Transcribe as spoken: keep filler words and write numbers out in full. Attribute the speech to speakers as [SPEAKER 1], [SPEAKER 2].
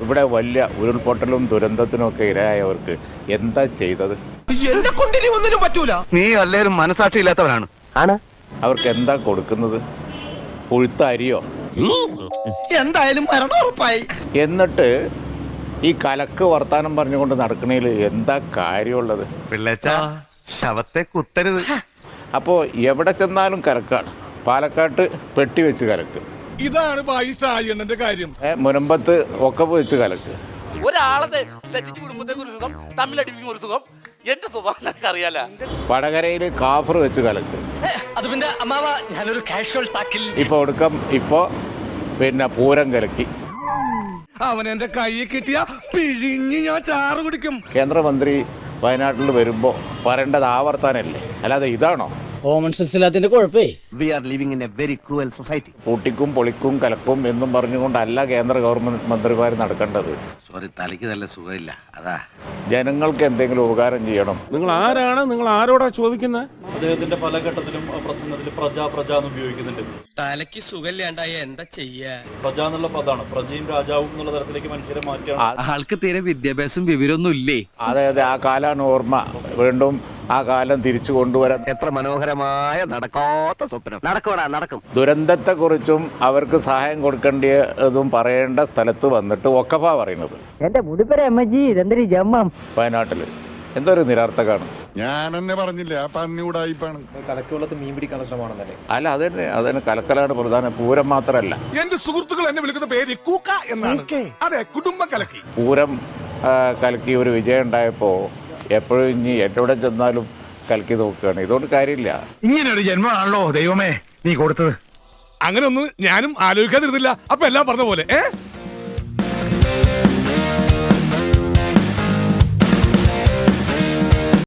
[SPEAKER 1] ഇവിടെ വലിയ ഉരുൾപൊട്ടലും ദുരന്തത്തിനും ഒക്കെ ഇരയായവർക്ക് എന്താ ചെയ്തത്?
[SPEAKER 2] ഒന്നിനും പറ്റൂല. നീ അല്ലേലും മനസാക്ഷി ഇല്ലാത്തവനാണ്. ആണ്.
[SPEAKER 1] അവർക്ക് എന്താ കൊടുക്കുന്നത്? പുഴുത്ത അരിയോ?
[SPEAKER 2] എന്തായാലും മരണം ഉറപ്പായി.
[SPEAKER 1] എന്നിട്ട് ഈ കലക്ക് വർത്താനം പറഞ്ഞുകൊണ്ട് നടക്കണേൽ എന്താ കാര്യമുള്ളത്?
[SPEAKER 3] പിള്ളേച്ച ശവത്തെ കുത്തരുത്.
[SPEAKER 1] അപ്പോൾ എവിടെ ചെന്നാലും കലക്കാണ്. പാലക്കാട്ട് പെട്ടി വെച്ച് കലക്ക്,
[SPEAKER 4] ഇതാണ് ബായിഷായണ്ണന്റെ കാര്യം.
[SPEAKER 1] മുനമ്പത്ത് ഒക്കെ വെച്ച് കലക്ക്.
[SPEAKER 5] ഒരാളെ തെറ്റിച്ച് കുടുംബത്തേക്ക് ഒരു സുഖം, തമ്മിലടിപ്പിക്കും ഒരു സുഖം. എന്റെ സ്വഭാവം അറിയാല.
[SPEAKER 1] വടകരയിൽ കാഫർ വെച്ച് കലക്ക്.
[SPEAKER 5] അത് പിന്നെ അമ്മാവ ഞാനൊരു കാഷ്വൽ ടാക്കിൽ
[SPEAKER 1] ഇപ്പൊ ഒടുക്കം ഇപ്പോ പിന്നെ പൂരം കലക്കി.
[SPEAKER 2] അവൻ എന്റെ കൈ കിട്ടിയ പിഴിഞ്ഞ് ഞാൻ ചാറ് കുടിക്കും.
[SPEAKER 1] കേന്ദ്രമന്ത്രി വയനാട്ടിൽ വരുമ്പോ പറയേണ്ടത് ആവർത്താനല്ലേ, അല്ലാതെ ഇതാണോ?
[SPEAKER 6] കോമൺ സെൻസ് ഇല്ലാത്തതിന്റെ കുഴപ്പേ.
[SPEAKER 3] We are living in a very cruel society.
[SPEAKER 1] പൂട്ടിക്കും പൊളിക്കും കലക്കും എന്നും പറഞ്ഞുകൊണ്ടല്ല കേന്ദ്ര ഗവൺമെന്റ് മന്ത്രിമാർ നടക്കേണ്ടത്.
[SPEAKER 3] സോറി, തലയ്ക്ക് നല്ല സുഖമില്ല, അതാ.
[SPEAKER 1] ജനങ്ങൾക്ക് എന്തെങ്കിലും ഉപകാരം ചെയ്യണം.
[SPEAKER 4] നിങ്ങൾ ആരാണ്? നിങ്ങൾ ആരോടാ ചോദിക്കുന്നത്?
[SPEAKER 7] അദ്ദേഹത്തിന്റെ പല ഘട്ടത്തിലും പ്രസംഗത്തിൽ പ്രജ പ്രജ എന്ന് ഉപയോഗിക്കുന്നുണ്ട്.
[SPEAKER 2] തലയ്ക്ക് സുഖമില്ലാണ്ടായ എന്താ ചെയ്യാ?
[SPEAKER 7] പ്രജ എന്നുള്ള പദമാണ് പ്രജയും രാജാവും എന്നുള്ള തരത്തിലേക്ക് മനുഷ്യരെ മാറ്റിയാണ്.
[SPEAKER 8] ആൾക്ക് തീരെ വിദ്യാഭ്യാസം വിവരമൊന്നും ഇല്ലേ?
[SPEAKER 1] അതെ അതെ, ആ കാലാണ് ഓർമ്മ. വീണ്ടും ആ കാലം തിരിച്ചു കൊണ്ടുവരാൻ.
[SPEAKER 2] എത്ര മനോഹരമായ നടക്കാത്ത സ്വപ്നം. നടക്കണ നടക്കും.
[SPEAKER 1] ദുരന്തത്തെക്കുറിച്ചും അവർക്ക് സഹായം കൊടുക്കേണ്ടതും പറയേണ്ട സ്ഥലത്ത് വന്നിട്ട് ഒക്കഫാ പറയുന്നത്.
[SPEAKER 6] എന്റെ മുടിപ്പര അമ്മജി ഇതെന്തൊരു ജമ്മം.
[SPEAKER 1] വയനാട്ടില് എന്തൊരു നിരർത്ഥകാണ്.
[SPEAKER 9] ഞാനെന്നെ പറഞ്ഞില്ല, ആ പന്നി ഉടായിപ്പാണ്.
[SPEAKER 7] കലക്കുവെള്ളത്ത് മീൻ പിടിക്കാനുള്ള ശ്രമമാണെന്നല്ലേ?
[SPEAKER 1] അല്ല, അതന്നെ അതന്നെ കലക്കലാണ് പ്രധാന. പൂരം മാത്രമല്ല,
[SPEAKER 4] എന്റെ സുഹൃത്തുക്കൾ എന്നെ വിളിക്കുന്ന പേര് കൂക്ക എന്നാണ്. അതെ, കുടുംബം കലക്കി.
[SPEAKER 1] പൂരം കലക്കി ഒരു വിജയം ഉണ്ടായപ്പോൾ എപ്പോഴും ഇനി എവിടെ ചെന്നാലും കലക്കി നോക്കുകയാണ്. ഇതുകൊണ്ട് കാര്യമില്ല.
[SPEAKER 2] ഇങ്ങനെ ഒരു ജന്മമാണല്ലോ ദൈവമേ നീ കൊടുത്തത്.
[SPEAKER 4] അങ്ങനെ ഒന്നും ഞാനും ആലോചിക്കാതിരുന്നില്ല. അപ്പൊ എല്ലാം പറഞ്ഞ പോലെ ഏ